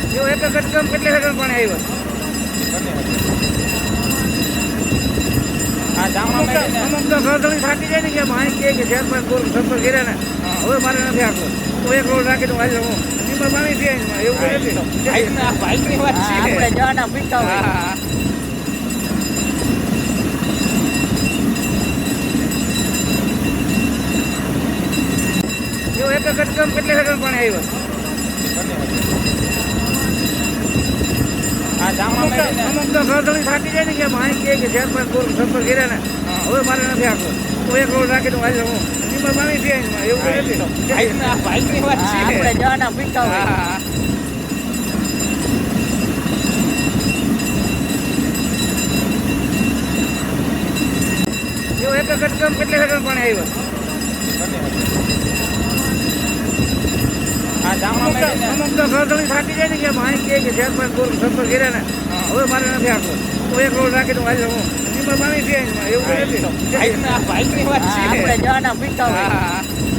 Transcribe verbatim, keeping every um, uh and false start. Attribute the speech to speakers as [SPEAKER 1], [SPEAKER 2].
[SPEAKER 1] જો એક જ ગટકામ કેટલી સેકન્ડ પાણી આવ્યા
[SPEAKER 2] આ જામા મેળીને
[SPEAKER 1] અમુક તો ઘરધણી થાકી જાય ને કે ભાઈ કે કે ચાર પાંચ ગોળ સંપર્ક કર્યા ને હવે મારે નથી આખો તો એક રોડ રાખી દઉં હાલ હું એમાં પાણી પીએ એવું કંઈ નથી
[SPEAKER 2] ભાઈના ભાઈની વાત છે
[SPEAKER 3] આપણે જવાના પીતા હોય
[SPEAKER 2] હા
[SPEAKER 1] જો એક જ ગટકામ કેટલી સેકન્ડ પાણી આવ્યા
[SPEAKER 2] આ જામા મેળીને
[SPEAKER 1] અમુક તો ઘરધણી થાકી જાય ને કે ભાઈ કે કે ચાર પાંચ ગોળ સંપર્ક કર્યા ને હવે મારે નથી આખો તો એક રોડ રાખી દઉં હાલ હું એમાં પાણી પીએ એવું કંઈ નથી
[SPEAKER 2] ભાઈના ભાઈની વાત છે
[SPEAKER 3] આપણે જવાના પીતા હોય
[SPEAKER 2] હા
[SPEAKER 1] જો એક જ ગટકામ કેટલી સેકન્ડ પાણી આવ્યા
[SPEAKER 2] આ જામા મેળીને
[SPEAKER 1] અમુક તો ઘરધણી થાકી જાય ને કે ભાઈ કે કે ચાર પાંચ ગોળ સંપર્ક કર્યા ને હવે મારે નથી આખો તો એક રોડ રાખી દઉં હાલ હું એમાં પાણી પીએ એવું કંઈ નથી
[SPEAKER 2] ભાઈના ભાઈની વાત છે
[SPEAKER 3] આપણે જવાના પીતા હોય
[SPEAKER 2] હા